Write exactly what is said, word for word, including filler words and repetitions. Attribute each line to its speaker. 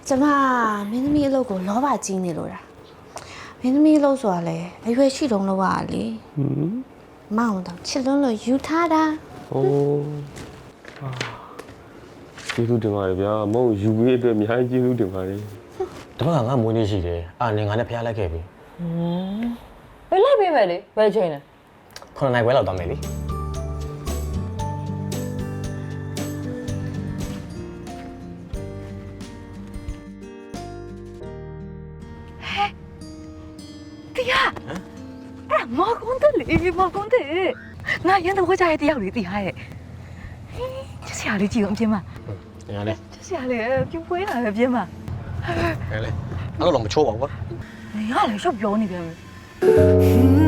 Speaker 1: ကျမမင်းသမီးအလုပ်ကိုလောဘကြီးနေလို့တာမင်းသမီးအလုပ်ဆိုတာလေအရွယ်ရှိတုံးလောက်ရလေဟွန်းမောင်တော့ချစ်လွန်းလို့ယူထားတာ
Speaker 2: โอ้ကျေးဇူးတင်ပါတယ်ဗျာမဟုတ်ယူပြီးအတွက်အများကြီးကျေးဇူးတင်ပါတယ်
Speaker 3: တပတ်ကငါမွေးနေ့ရှိတယ်အာနေငါနဲ့ဖျားလိုက်ခဲ့ပြီ
Speaker 4: ဟမ်ဘယ်လိုက်ပေးမယ်လေဘယ်ချိန်လဲ
Speaker 3: ခုနှစ်နိုင်ခွဲလောက်သွားမယ်လေ
Speaker 4: တရားအဲ့မော်ကွန်တယ်လေမော်ကွန်တယ်ငါရန်တော့ကြားရတဲ့ရောက်လေတရားရဲ့ချစ်စရာလေးကြည့်အောင်ပြင်မ
Speaker 3: ငါလေ
Speaker 4: ချစ်စရာလေးပြပွဲလာပဲပြင်မ
Speaker 3: ငါလေအဲ့လိုတော့မချိုးပါဘူးကွာ
Speaker 4: ငါလည်းရှော့ပြောနေပြန်ပြီ